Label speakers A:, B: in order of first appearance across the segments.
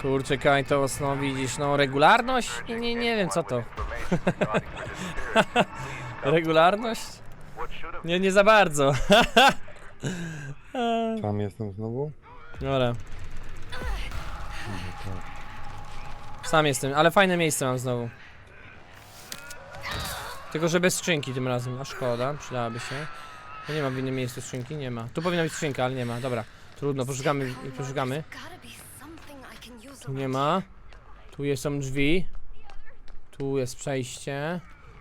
A: Kurczę, Kajtos, no widzisz, no regularność? Nie wiem co to. Regularność? Nie za bardzo.
B: Tam jestem znowu.
A: Dobra. Sam jestem, ale fajne miejsce mam znowu. Tylko, że bez skrzynki tym razem, a szkoda, przydałaby się. To nie ma w innym miejscu skrzynki, nie ma. Tu powinna być skrzynka, ale nie ma, dobra. Trudno, poszukamy. Tu nie ma. Tu są drzwi. Tu jest przejście.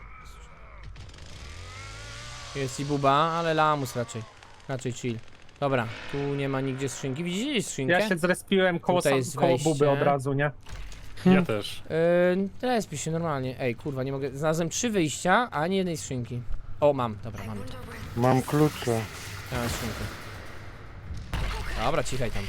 A: Jest i buba, ale lamus raczej. Raczej chill. Dobra, tu nie ma nigdzie skrzynki. Widzicie skrzynkę?
C: Ja się zrespiłem koło buby
A: wejście.
C: od razu, nie?
D: Ja też.
A: Respi się normalnie. Ej, kurwa, nie mogę. Znalazłem 3 wyjścia, a ani jednej skrzynki. O, mam, dobra, mamy to.
B: Mam klucze.
A: Ja mam skrzynkę. Dobra, cichaj tam.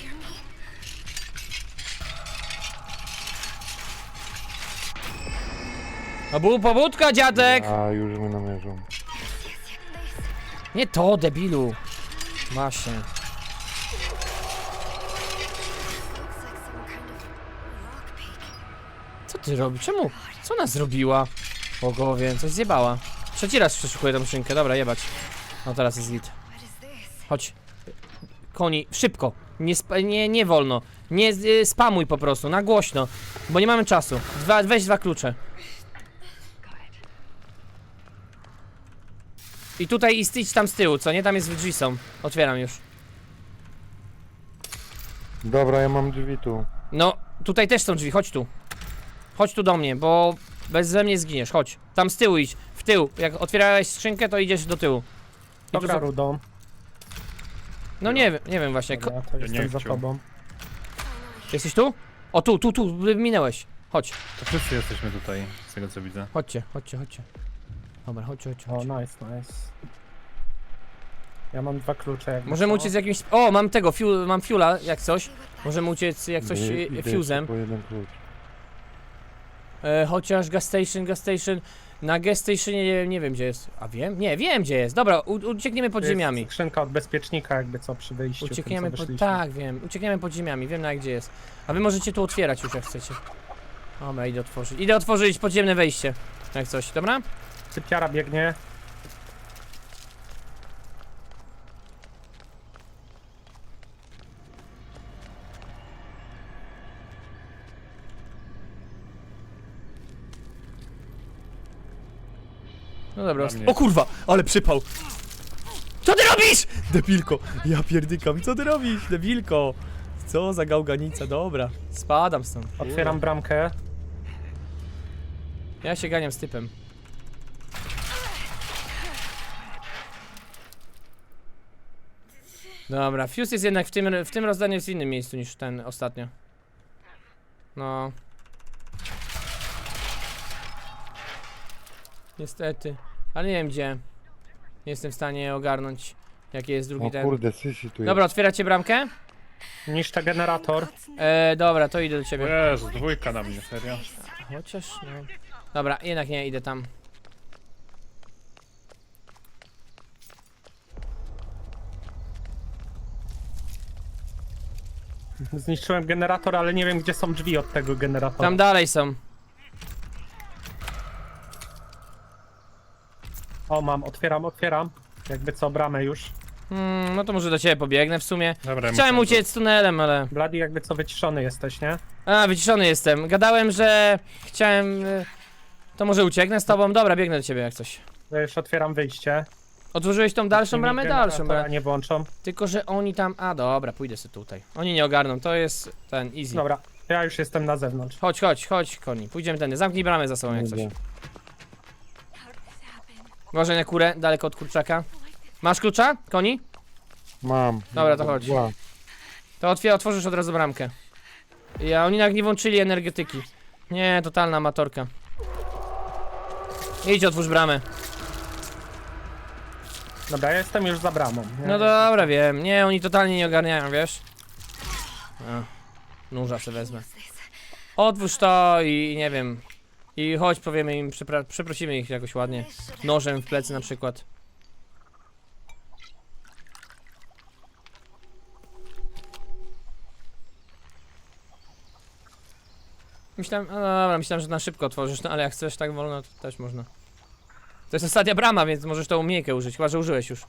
A: Pobudka, dziadek!
B: A już mnie namierzą.
A: Nie to, debilu. Właśnie. Co ty robisz? Czemu? Co ona zrobiła? Bogowie, coś zjebała. Trzeci raz przeszukuję tą szynkę, dobra, jebać. No teraz jest git. Chodź. Koni, szybko. Nie wolno. Nie spamuj po prostu, na głośno. Bo nie mamy czasu. Weź 2 klucze. I tutaj idź tam z tyłu, co nie? Tam jest drzwi są. Otwieram już.
B: Dobra, ja mam drzwi tu.
A: No, tutaj też są drzwi, chodź tu. Chodź tu do mnie, bo beze mnie zginiesz, chodź. Tam z tyłu idź, w tył. Jak otwierałeś skrzynkę, to idziesz do tyłu. I tu
C: Dobra,
A: są...
C: Rudą.
A: No nie wiem właśnie.
C: Dobra, to jestem
D: nie
C: za
D: chciał.
C: tobą.
A: Jesteś tu? O, tu, minęłeś. Chodź,
D: To wszyscy jesteśmy tutaj, z tego co widzę.
A: chodźcie. Dobra, chodź.
C: O, nice. Ja mam 2 klucze. jakby
A: Możemy
C: co.
A: uciec jakimś... O, mam tego, mam fuela, jak coś. Możemy uciec jak coś
B: Idę
A: fuzem.
B: jeszcze po jeden klucz.
A: Chociaż gas station. Na gas stationie nie wiem gdzie jest. A wiem? Nie, wiem gdzie jest. Dobra, uciekniemy pod
C: To jest
A: ziemiami.
C: skrzynka od bezpiecznika, jakby co przy wyjściu.
A: Uciekniemy
C: tym, co
A: pod...
C: wyszliśmy.
A: Tak, wiem. Uciekniemy pod ziemiami, wiem na gdzie jest. A wy możecie tu otwierać już jak chcecie. Dobra, idę otworzyć. Idę otworzyć podziemne wejście. Jak coś, dobra?
C: Sypiara biegnie.
A: No dobra.
D: Dla mnie.
A: O kurwa, ale przypał. Co ty robisz? Debilko. Ja pierdykam. Co ty robisz, debilko? Co za gałganica, dobra. Spadam stąd.
C: Otwieram bramkę.
A: Ja się ganiam z typem. Dobra, fuse jest jednak w tym rozdaniu jest w innym miejscu niż ten ostatnio. No. Niestety. Ale nie wiem gdzie. Nie jestem w stanie ogarnąć jaki jest drugi
B: O
A: ten.
B: kurde, Sisi tu jest.
A: Dobra, otwieracie bramkę?
C: Niszczę generator.
A: Dobra, to idę do ciebie.
D: Jezu, 2 na mnie, serio?
A: Chociaż no. Dobra, jednak nie, idę tam.
C: Zniszczyłem generator, ale nie wiem gdzie są drzwi od tego generatora.
A: Tam dalej są.
C: O, otwieram. Jakby co, bramę już.
A: No to może do ciebie pobiegnę w sumie.
D: Dobra,
A: Chciałem
D: muszę-
A: uciec tunelem, ale...
C: Bloody, jakby co, wyciszony jesteś, nie?
A: A, wyciszony jestem. Gadałem, że chciałem... To może ucieknę z tobą? Dobra, biegnę do ciebie jak coś.
C: Ja już otwieram wyjście.
A: Otworzyłeś tą dalszą
C: Tymi
A: bramę? Dalszą
C: generatora
A: bramę.
C: nie włączą.
A: Tylko, że oni tam... A, dobra, pójdę sobie tutaj. Oni nie ogarną, to jest ten easy.
C: Dobra, ja już jestem na zewnątrz.
A: Chodź, koni. Pójdziemy tędy. Zamknij bramę za sobą jak coś.
B: Idę.
A: Uważaj na kurę, daleko od kurczaka. Masz klucza, koni?
B: Mam.
A: Dobra, to chodź.
B: Dwa.
A: To otworzysz od razu bramkę. Oni nawet nie włączyli energetyki. Nie, totalna amatorka. Idź, otwórz bramę.
C: Dobra, ja jestem już za bramą. Nie?
A: No dobra, wiem. Nie, oni totalnie nie ogarniają, wiesz? A, nóża se wezmę. Otwórz to i nie wiem. I chodź, powiemy im, przeprosimy ich jakoś ładnie. Nożem w plecy na przykład. Myślałem, no dobra, myślałem, że na szybko otworzysz, no ale jak chcesz tak wolno, to też można. To jest ostatnia brama, więc możesz tą umiejkę użyć, chyba że użyłeś już.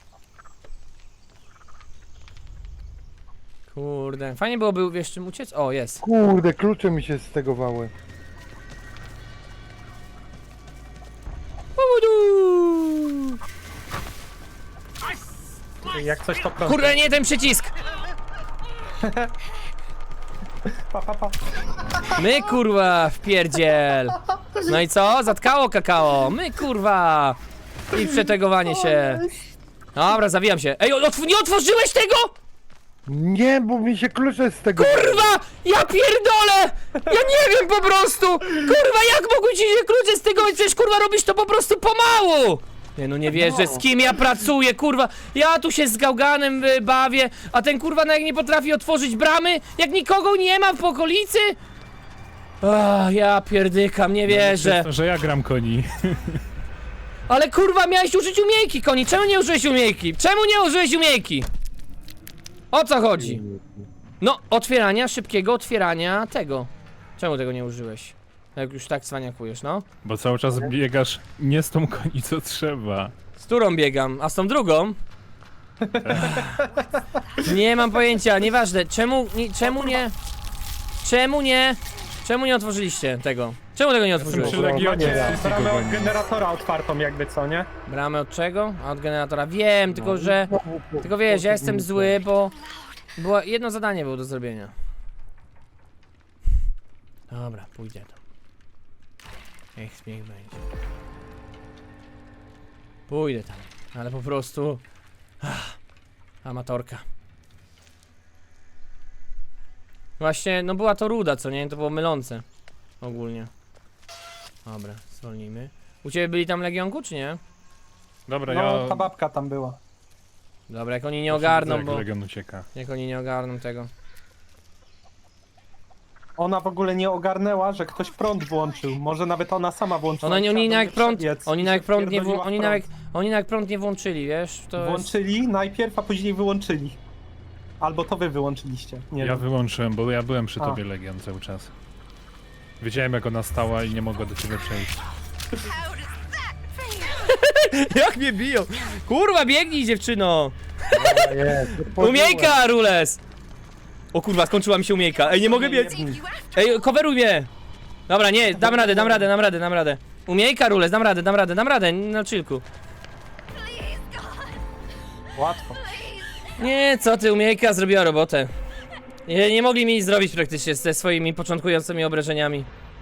A: Kurde, fajnie byłoby, wiesz, czym uciec? O, jest.
B: Kurde, klucze mi się stegowały.
A: Udu!
C: Jak coś to prosto.
A: Kurde, nie ten przycisk!
C: Pa, pa, pa.
A: My kurwa, wpierdziel! No i co? Zatkało kakao! My kurwa! I przetegowanie się. Dobra, zawijam się. Ej, nie otworzyłeś tego?!
B: Nie, bo mi się klucze stegowały.
A: Kurwa! Ja pierdolę! Ja nie wiem po prostu! Kurwa, jak mogły ci się klucze z tego? Przecież kurwa robisz to po prostu pomału! Nie no, nie wierzę, z kim ja pracuję, kurwa! Ja tu się z gałganem bawię, a ten kurwa jak nie potrafi otworzyć bramy, jak nikogo nie ma w okolicy? Ach, ja pierdykam, nie wierzę.
D: Przez to, że ja gram koni.
A: Ale kurwa, miałeś użyć umiejki, Koni, czemu nie użyłeś umiejki? Czemu nie użyłeś umiejki? O co chodzi? No, otwierania, szybkiego otwierania tego. Czemu tego nie użyłeś? Jak już tak cwaniakujesz, no.
D: Bo cały czas biegasz nie z tą koni, co trzeba.
A: Z którą biegam, a z tą drugą? Nie mam pojęcia, nieważne. Czemu nie otworzyliście tego? Czemu tego nie otworzyłeś?
D: Przy Legionie
C: Bramę od generatora otwartą jakby, co nie?
A: Bramę od czego? A od generatora. Wiem, tylko że...
B: Znowu
A: Tylko wiesz, ja jestem zły, bo... jedno zadanie było do zrobienia. Dobra, pójdę tam. Niech będzie. Pójdę tam, ale po prostu... amatorka. Właśnie, no była to ruda, co nie? To było mylące. Ogólnie. Dobra, zwolnijmy. U ciebie byli tam Legionku, czy nie?
D: Dobra,
C: No,
D: ja...
C: ta babka tam była.
A: Dobra, jak oni nie ogarną,
D: jak
A: bo...
D: Legion ucieka.
A: Jak oni nie ogarną tego.
C: Ona w ogóle nie ogarnęła, że ktoś prąd włączył. Może nawet ona sama włączyła.
A: Oni
C: Chciała do
A: nawet
C: mnie
A: prąd,
C: przebiec
A: oni
C: i
A: nawet
C: się
A: prąd nie,
C: wpierdoliła w
A: oni nawet prąd nie włączyli, wiesz? To jest...
C: Włączyli najpierw, a później wyłączyli. Albo to wy wyłączyliście. Nie
D: Ja
C: wiem.
D: wyłączyłem, bo ja byłem przy
C: A.
D: tobie, Legion, cały czas. Wiedziałem, jak ona stała i nie mogła do ciebie przejść.
A: Jak mnie biją! Kurwa, biegnij, dziewczyno!
B: Jest,
A: Umiejka, Rules! O kurwa, skończyła mi się umiejka. Ej, nie mogę biec! Ej, coveruj mnie! Dobra, nie, dam radę. Umiejka, Rules, dam radę, na chillku.
C: Łatwo.
A: Nie, co ty, umiejka zrobiła robotę. Nie mogli mi nic zrobić praktycznie ze swoimi początkującymi obrażeniami.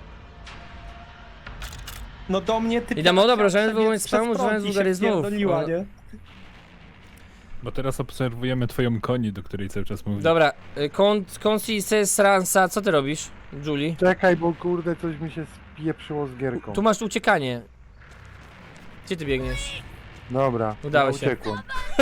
C: No do mnie ty.
A: I dam obrażenia,
C: przebiec
A: wobec
C: przez
A: spamu,
C: prąd
A: używając
C: i się
A: wulgaryzmów.
C: wpierdoliła,
A: No.
C: nie?
D: Bo teraz obserwujemy twoją koni, do której cały czas mówię.
A: Dobra, Consises Ransa, co ty robisz, Julie?
B: Czekaj, bo kurde, coś mi się spieprzyło z gierką.
A: Tu masz uciekanie. Gdzie ty biegniesz?
B: Dobra,
A: Udało
B: ja
A: się.
B: uciekłem.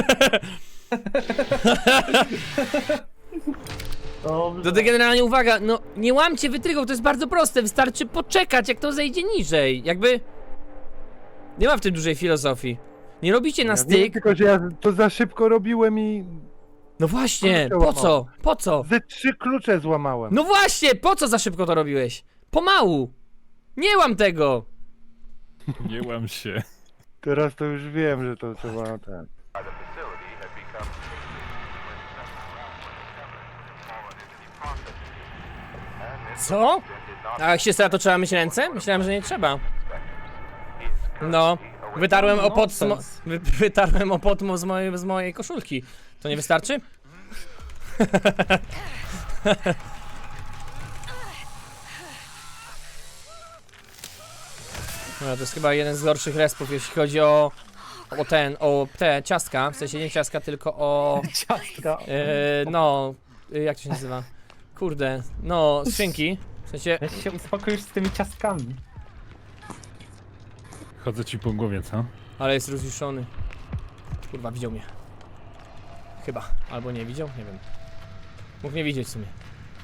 A: To ty generalnie uwaga, no nie łamcie wytrychów, to jest bardzo proste, wystarczy poczekać jak to zejdzie niżej, jakby... Nie ma w tym dużej filozofii. Nie robicie na
B: Ja wiem,
A: styk,
B: tylko że ja to za szybko robiłem i
A: no właśnie,
B: Klucze
A: po co?
B: łamałem.
A: Po co?
B: ze 3 klucze złamałem.
A: No właśnie, po co za szybko to robiłeś? Pomału! Nie łam tego!
D: Nie łam się.
B: Teraz to już wiem, że to trzeba ten.
A: Co? A jak się stara, to trzeba myć ręce? Myślałem, że nie trzeba. No, wytarłem opot wytarłem opot z mojej koszulki. To nie wystarczy? No, to jest chyba jeden z gorszych respów, jeśli chodzi o te ciastka, w sensie nie ciastka, tylko o...
C: Ciastka.
A: no, jak to się nazywa? Kurde, no, skrzynki, w sensie...
C: Jak się uspokoisz z tymi ciastkami.
D: Chodzę ci po głowie, co?
A: Ale jest rozjuszony. Kurwa, widział mnie. Chyba, albo nie widział, nie wiem. Mógł nie widzieć w sumie.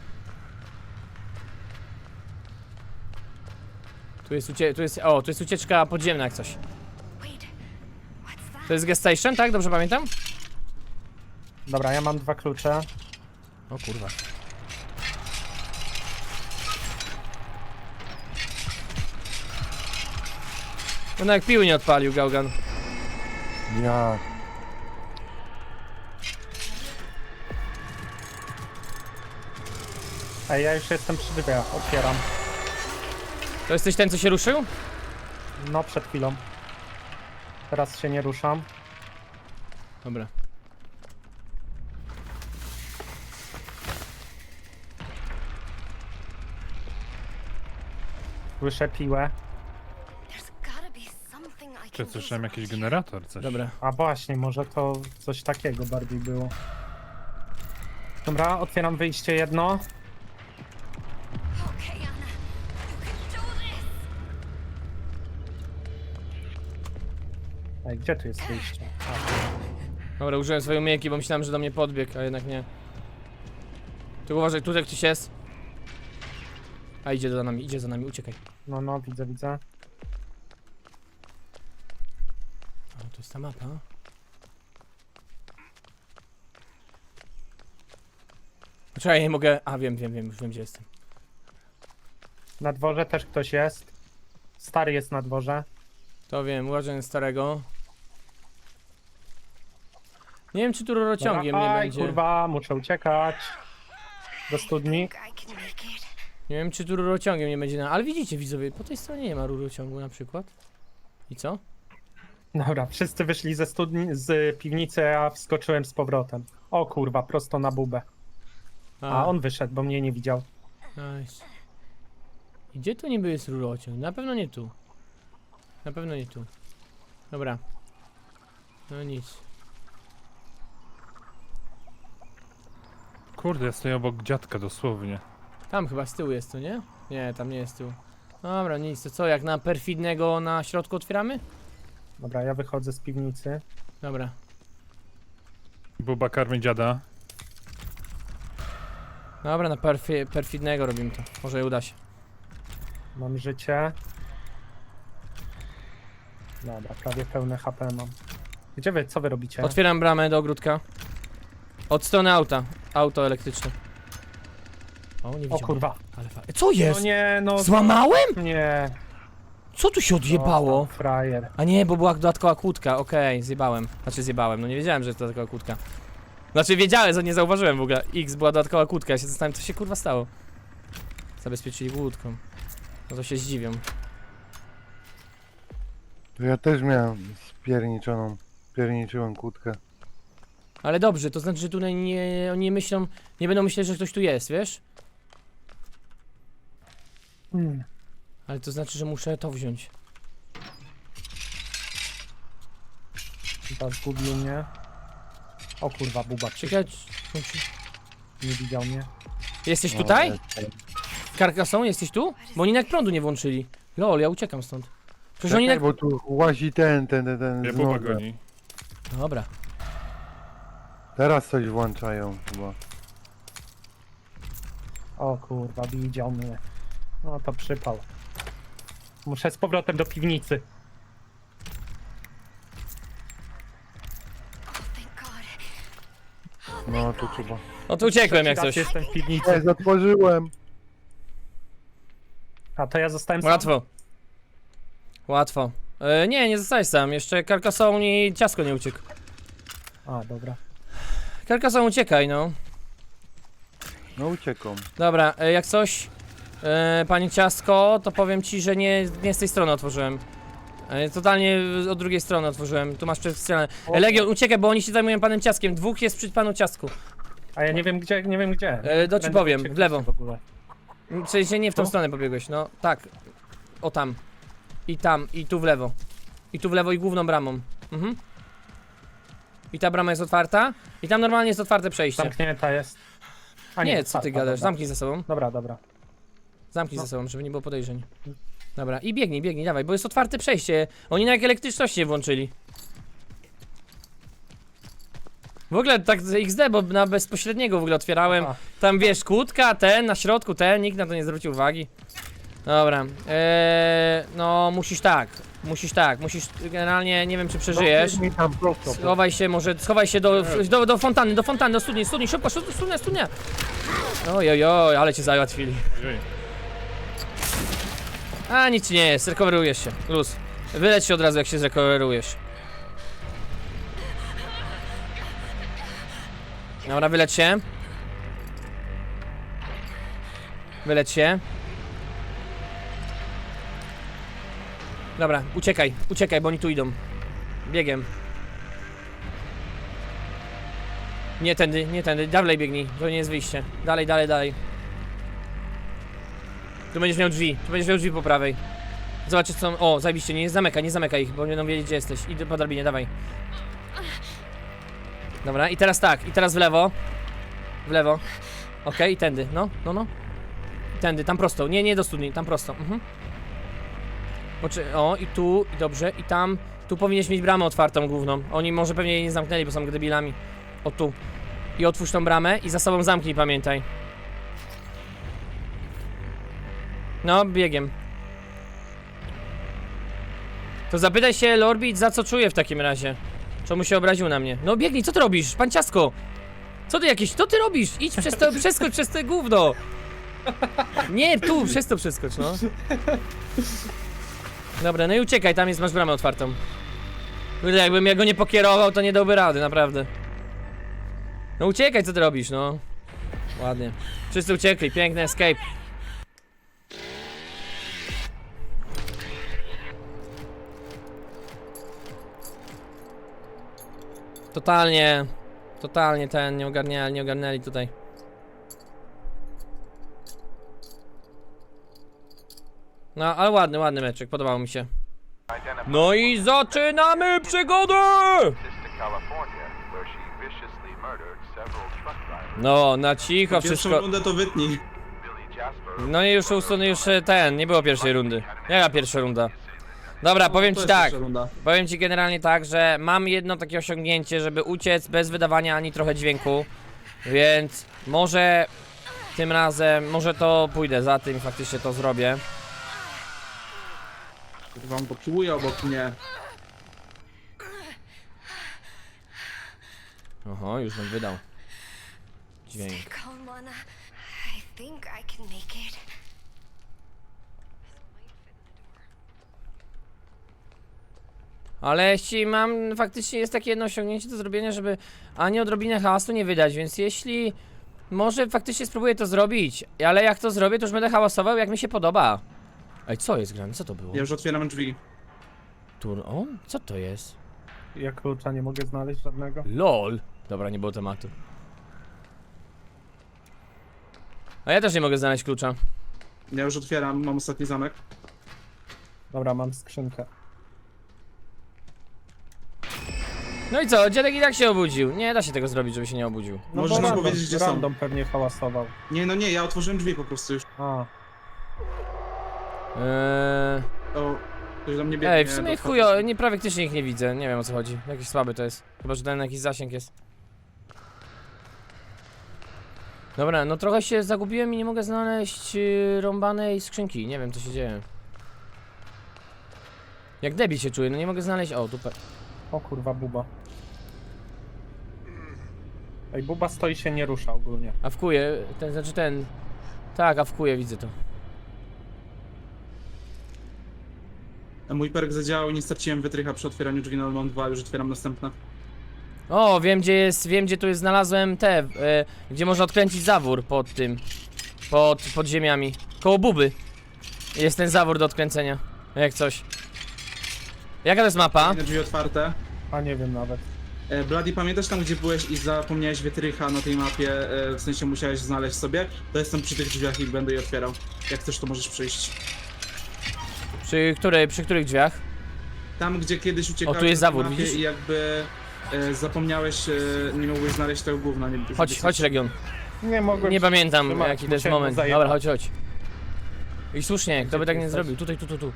A: Tu jest ucieczka podziemna jak coś. To jest gas station, tak? Dobrze pamiętam?
C: Dobra, ja mam 2 klucze.
A: O kurwa. No jak piły nie odpalił, Gaugan.
B: Ja.
C: Ej, ja już jestem przy drzwiach, otwieram.
A: To jesteś ten, co się ruszył?
C: No, przed chwilą. Teraz się nie ruszam.
A: Dobra.
C: Słyszę piłę.
D: Czy słyszałem jakiś generator, coś?
A: Dobra.
C: A właśnie, może to coś takiego bardziej było. Dobra, otwieram wyjście jedno. Ej, gdzie tu jest wyjście?
A: Dobra, użyłem swojej umiejętności, bo myślałem, że do mnie podbiegł, a jednak nie. Tu uważaj, tutaj ktoś jest. A idzie za nami, uciekaj.
C: No, no, widzę, widzę.
A: O, to jest ta mapa. Poczekaj, nie mogę... A, wiem, już wiem, gdzie jestem.
C: Na dworze też ktoś jest. Stary jest na dworze.
A: To wiem, uważaj na starego. Nie wiem, czy tu rurociągiem nie
C: Aj,
A: będzie.
C: kurwa, muszę uciekać. Do studni.
A: Nie wiem, czy tu rurociągiem nie będzie. Ale widzicie, widzowie, po tej stronie nie ma rurociągu na przykład. I co?
C: Dobra, wszyscy wyszli ze studni, z piwnicy, a wskoczyłem z powrotem. O kurwa, prosto na bubę. A on wyszedł, bo mnie nie widział.
A: Nice. I gdzie tu niby jest rurociąg? Na pewno nie tu. Na pewno nie tu. Dobra. No nic.
D: Kurde, ja stoję obok dziadka dosłownie.
A: Tam chyba z tyłu jest to, nie? Nie, tam nie jest z tyłu. Dobra, nic, to co, jak na perfidnego na środku otwieramy?
C: Dobra, ja wychodzę z piwnicy.
A: Dobra.
D: Buba karmi dziada.
A: Dobra, na perfidnego robimy to. Może uda się.
C: Mam życie. Dobra, prawie pełne HP mam. Gdzie wy, co wy robicie?
A: Otwieram bramę do ogródka. Od strony auta. Auto elektryczne. O, nie
C: O
A: widziałem.
C: kurwa.
A: Ale co jest?
C: No nie, no.
A: Złamałem?
C: Nie.
A: Co tu się odjebało?
C: O, frajer.
A: A nie, bo była dodatkowa kłódka, okej, zjebałem. Znaczy zjebałem, no nie wiedziałem, że to dodatkowa kłódka. Znaczy wiedziałem, że nie zauważyłem w ogóle. X była dodatkowa kłódka, ja się zastanawiam, co się kurwa stało. Zabezpieczyli kłódką. No to się zdziwią.
B: To ja też miałem pierniczyłem kłódkę.
A: Ale dobrze, to znaczy, że tutaj oni nie myślą, nie będą myśleć, że ktoś tu jest, wiesz? Ale to znaczy, że muszę to wziąć.
C: Chyba zgubił mnie. O kurwa, buba.
A: Czekaj,
C: Nie widział mnie.
A: jesteś tutaj? Karkasą, jesteś tu? Bo oni nawet prądu nie włączyli. Lol, ja uciekam stąd. Przecież oni
B: Czekaj,
A: nawet...
B: bo tu łazi ten
D: Mnie
B: z
D: buba
B: noga.
D: goni.
A: Dobra.
B: Teraz coś włączają chyba.
C: O kurwa, widział mnie. No to przypał. Muszę z powrotem do piwnicy.
B: No tu trzeba.
A: No to uciekłem jak
C: Trzeci
A: coś.
C: raz jestem w piwnicy.
B: Ej, zatworzyłem.
C: A to ja zostałem sam.
A: Łatwo. Łatwo. Nie zostałeś sam. Jeszcze Karkasą i ciasko nie uciekł.
C: A, dobra.
A: Karkasą uciekaj, no.
B: No uciekam.
A: Dobra, jak coś, panie ciasko, to powiem ci, że nie z tej strony otworzyłem. Totalnie od drugiej strony otworzyłem. Tu masz przedstronę. Legion, uciekaj, bo oni się zajmują panem ciaskiem. Dwóch jest przy panu ciasku.
C: A ja nie wiem gdzie, nie wiem gdzie.
A: To ci
C: Będę
A: powiem,
C: uciekł
A: w lewo.
C: w ogóle.
A: W sensie nie w tą
C: Tu?
A: stronę pobiegłeś, no tak. O tam. I tam, i tu w lewo. I tu w lewo i główną bramą. Mhm. I ta brama jest otwarta. I tam normalnie jest otwarte przejście.
C: Zamknięta jest. A
A: Nie, co
C: otwarta,
A: ty gadasz?
C: dobra.
A: Zamknij za sobą.
C: Dobra, dobra.
A: Zamknij
C: No.
A: za sobą, żeby nie było podejrzeń. Dobra, i biegnij, dawaj, bo jest otwarte przejście. Oni na jak elektryczność nie włączyli. W ogóle tak z XD, bo na bezpośredniego w ogóle otwierałem.
C: A.
A: Tam wiesz, kłódka, ten, na środku ten, nikt na to nie zwrócił uwagi. Dobra, no musisz musisz, generalnie nie wiem czy przeżyjesz.
B: No, mi tam prosto.
A: Schowaj się do fontanny, do studni, szybko, studnia. Oj, ale cię załatwili.
D: Ojej.
A: A nic ci nie jest, recoverujesz się, luz. Wyleć się od razu, jak się zrekoverujesz. Dobra, wyleć się. Wyleć się. Dobra, uciekaj, uciekaj, bo oni tu idą. Biegiem. Nie tędy, dalej biegnij, to nie jest wyjście. Dalej, dalej, dalej. Tu będziesz miał drzwi po prawej. Zobaczysz co... O, zajebiście, nie zamykaj ich, bo nie będą wiedzieć gdzie jesteś. Idź po drabinie, dawaj. Dobra, i teraz tak, i teraz w lewo. W lewo. Okej, i tędy, no. Tędy, tam prosto, nie do studni, tam prosto. O, i tu, i dobrze, i tam. Tu powinieneś mieć bramę otwartą główną. Oni może pewnie jej nie zamknęli, bo są debilami. O tu. I otwórz tą bramę i za sobą zamknij, pamiętaj. No, biegiem. To zapytaj się Lorbit, za co czuje w takim razie. Czemu się obraził na mnie? No biegnij, co ty robisz? Panciasko! Co ty robisz? Idź przez to, przeskocz przez te gówno! Nie, tu, przez to przeskocz, no. Dobra, no i uciekaj, tam masz bramę otwartą. Kurde, jakbym ja go nie pokierował, to nie dałby rady, naprawdę. No uciekaj, co ty robisz, no. Ładnie. Wszyscy uciekli, piękny escape. Totalnie nie ogarnęli tutaj. No, ale ładny meczek, podobał mi się. No i zaczynamy przygodę! No, na cicho wszystko.
E: Pierwszą rundę to wytnij.
A: No i nie było pierwszej rundy. Jaka pierwsza runda? Dobra, powiem
E: To
A: ci
E: jest
A: tak.
E: pierwsza runda.
A: Powiem ci generalnie tak, że mam jedno takie osiągnięcie, żeby uciec bez wydawania ani trochę dźwięku. Więc może tym razem, może to pójdę za tym i faktycznie to zrobię.
E: Wam poczuję obok mnie.
A: Oho, już nam wydał dźwięk.
F: Stay calm, Lana. I think I can make it.
A: Ale jeśli mam, faktycznie jest takie jedno osiągnięcie do zrobienia, żeby ani odrobinę hałasu nie wydać, więc jeśli może faktycznie spróbuję to zrobić, ale jak to zrobię, to już będę hałasował jak mi się podoba. Ej, co jest grane? Co to było?
E: Ja już otwieram drzwi.
A: O, co to jest?
C: Ja klucza nie mogę znaleźć żadnego.
A: LOL. Dobra, nie było tematu. A ja też nie mogę znaleźć klucza.
E: Ja już otwieram, mam ostatni zamek.
C: Dobra, mam skrzynkę.
A: No i co? Dziadek i tak się obudził. Nie da się tego zrobić, żeby się nie obudził.
C: No
E: Możesz
C: bo
E: nam
C: random,
E: powiedzieć, gdzie są.
C: random pewnie hałasował.
E: Nie, ja otworzyłem drzwi po prostu już.
C: A,
E: O, ktoś do mnie biegnie.
A: Ej, w sumie
E: do
A: chujo, nie, praktycznie ich nie widzę. Nie wiem o co chodzi. Jakiś słaby to jest. Chyba, że ten jakiś zasięg jest. Dobra, no trochę się zagubiłem i nie mogę znaleźć rąbanej skrzynki. Nie wiem co się dzieje. Jak debil się czuję, no nie mogę znaleźć. O, dupę.
C: o kurwa, Buba. Ej, Buba stoi się nie rusza ogólnie.
A: Awkuje, ten. Tak, awkuje, widzę to.
E: Mój perk zadziałał i nie straciłem wytrycha przy otwieraniu drzwi, no mam 2, już otwieram następne.
A: O, wiem gdzie tu jest, znalazłem te, gdzie można odkręcić zawór pod tym, pod ziemiami, koło buby. Jest ten zawór do odkręcenia, jak coś. Jaka to jest mapa?
E: Drzwi otwarte.
C: A nie wiem nawet.
E: Bloody, pamiętasz tam, gdzie byłeś i zapomniałeś wytrycha na tej mapie, w sensie musiałeś znaleźć sobie? To jestem przy tych drzwiach i będę je otwierał. Jak chcesz, to możesz przyjść.
A: Przy których drzwiach?
E: Tam, gdzie kiedyś uciekałeś
A: O, tu jest
E: na
A: zawór,
E: mapie
A: widzisz?
E: i jakby zapomniałeś, nie mogłeś znaleźć tego gówna. Nie,
A: Chodź Legion.
C: Nie mogłem.
A: Nie pamiętam
C: trzymać,
A: jaki to jest
C: musiałem
A: moment.
C: zajebać.
A: Dobra, chodź. I słusznie, kto by
C: ty
A: tak nie
C: jesteś?
A: zrobił? Tutaj, tu.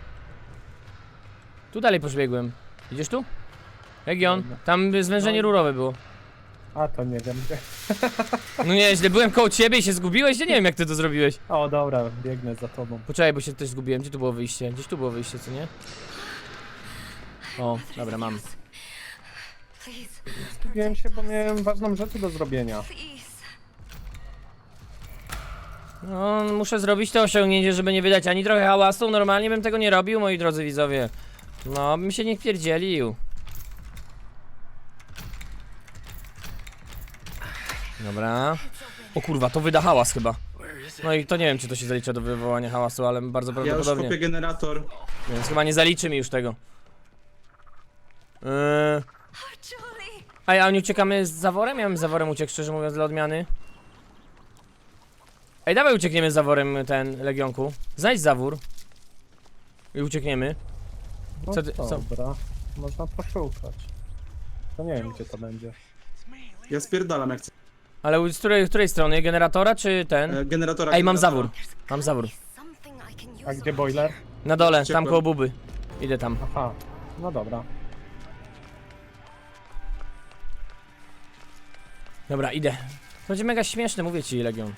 A: Tu dalej poszbiegłem. Idziesz tu? Legion, tam zwężenie rurowe było.
C: A to nie wiem.
A: No nieźle, byłem koło ciebie i się zgubiłeś? Ja nie wiem jak ty to zrobiłeś.
C: O dobra, biegnę za tobą.
A: Poczekaj, bo się też zgubiłem. Gdzie tu było wyjście? Gdzieś tu było wyjście, co nie? O, dobra, mam.
F: Please,
C: Skupiłem się, bo miałem ważną rzecz do zrobienia.
F: please.
A: No, muszę zrobić to osiągnięcie, żeby nie wydać ani trochę hałasu. Normalnie bym tego nie robił, moi drodzy widzowie. No, bym się nie pierdzielił. Dobra. O kurwa, to wyda hałas chyba. No i to nie wiem, czy to się zalicza do wywołania hałasu, ale bardzo
E: Ja już
A: prawdopodobnie.
E: kopię generator.
A: Więc chyba nie zaliczy mi już tego.
F: Oh, Julie.
A: A nie uciekamy z zaworem? Ja bym z zaworem uciekł, szczerze mówiąc, dla odmiany. Ej, dawaj uciekniemy z zaworem, ten Legionku. Znajdź zawór. I uciekniemy.
C: No
A: Co ty- co?
C: dobra, można poszukać. To nie wiem, gdzie to będzie.
E: Ja spierdalam jak chcę.
A: Ale z której strony? Generatora czy ten?
E: Generatora.
A: Ej, mam
E: generatora.
A: zawór. Mam zawór.
F: Something I can use.
C: A gdzie boiler?
A: Na dole, tam
E: Uciekłem.
A: koło buby. Idę tam.
C: Aha, no dobra.
A: Dobra, idę. To będzie mega śmieszne, mówię ci, Legion.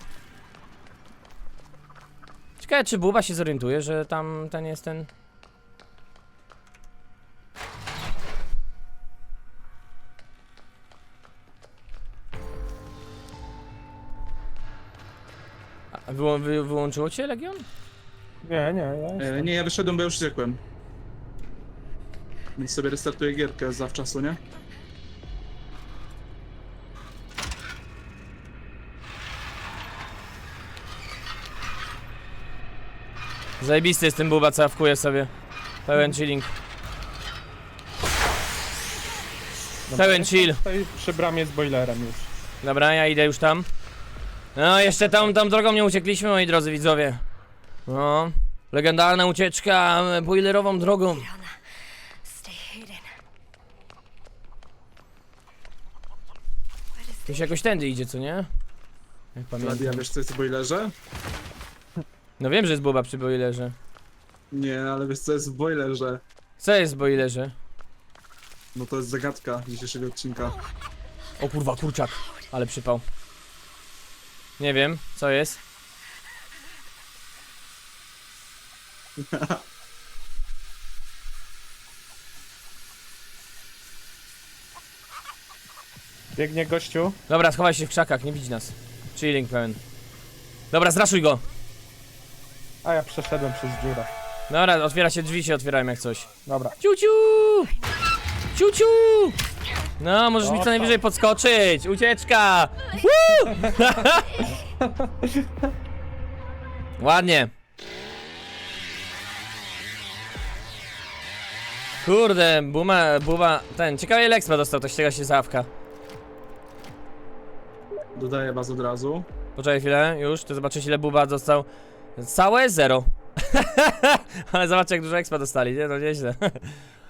A: Ciekawe, czy Buba się zorientuje, że tam ten jest ten... A wyłączyło cię, Legion?
C: Nie, ja jestem.
E: Nie, ja wyszedłem, bo już uciekłem. Więc sobie restartuję gierkę zawczasu, nie?
A: Zajebisty jest ten Buba, co wkuje sobie. Pełen chilling.
C: Dobra,
A: pełen
C: jestem
A: chill.
C: Tutaj przy bramie z boilerem już.
A: Dobra, ja idę już tam. No, jeszcze tą drogą nie uciekliśmy, moi drodzy widzowie. No, legendarna ucieczka boilerową drogą.
F: Get on that. Stay hidden. What is
A: Tu się jakoś tędy idzie, co nie? Jak
E: Nadia,
A: pamiętam.
E: wiesz co jest w boilerze?
A: No wiem, że jest Buba przy boilerze.
E: Nie, ale wiesz co jest w boilerze?
A: Co jest w boilerze?
E: No to jest zagadka dzisiejszego odcinka.
A: O kurwa, kurczak. Ale przypał. Nie wiem, co jest?
C: Biegnie gościu.
A: Dobra, schowaj się w krzakach, nie widzi nas. Chilling pełen. Dobra, zraszuj go.
C: A ja przeszedłem przez dziurę.
A: Dobra, otwiera się drzwi, się otwierają jak coś.
C: Dobra.
A: Ciuciu! Ciuciu! No, możesz mi co
C: Dostał.
A: najwyżej podskoczyć. Ucieczka! Woo! Ładnie. Kurde, Buba, ten, ciekawie ile expa dostał, to ściega się zawka.
E: Dodaję was od razu.
A: Poczekaj chwilę, już, to zobaczysz ile Buba dostał. Całe 0. Ale zobaczcie jak dużo expa dostali, nie? No nieźle.